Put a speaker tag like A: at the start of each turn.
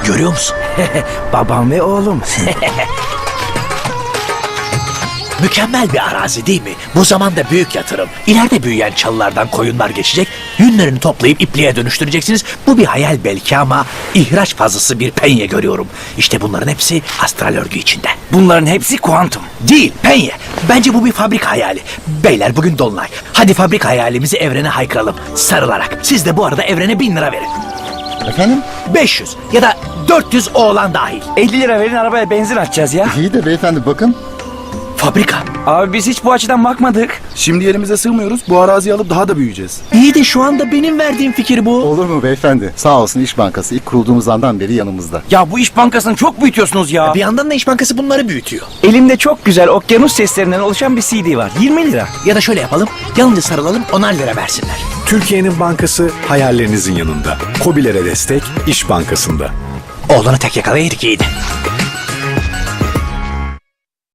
A: Görüyor musun?
B: Babam ve oğlum.
A: Mükemmel bir arazi değil mi? Bu zamanda büyük yatırım. İleride büyüyen çalılardan koyunlar geçecek. Yünlerini toplayıp ipliğe dönüştüreceksiniz. Bu bir hayal belki ama ihraç fazlası bir penye görüyorum. İşte bunların hepsi astral örgü içinde.
B: Bunların hepsi kuantum.
A: Değil, penye. Bence bu bir fabrika hayali. Beyler bugün dolunay. Hadi fabrika hayalimizi evrene haykıralım. Sarılarak. Siz de bu arada evrene 1000 lira verin.
C: Efendim?
A: 500 ya da 400 oğlan dahil.
B: 50 lira verin, arabaya benzin atacağız ya.
C: İyi de beyefendi bakın.
A: Fabrika.
B: Abi biz hiç bu açıdan bakmadık.
D: Şimdi yerimize sığmıyoruz. Bu araziyi alıp daha da büyüyeceğiz.
A: İyi de şu anda benim verdiğim fikir bu.
C: Olur mu beyefendi? Sağ olsun İş Bankası ilk kurulduğumuz andan beri yanımızda.
B: Ya bu İş Bankası'nı çok büyütüyorsunuz ya.
A: Bir yandan da İş Bankası bunları büyütüyor.
B: Elimde çok güzel okyanus seslerinden oluşan bir CD var. 20 lira.
A: Ya da şöyle yapalım. Yalnızca sarılalım 10'ar lira versinler.
E: Türkiye'nin bankası hayallerinizin yanında. KOBİ'lere destek İş Bankası'nda.
A: Oğlanı tek yakalayaydık iyiydi.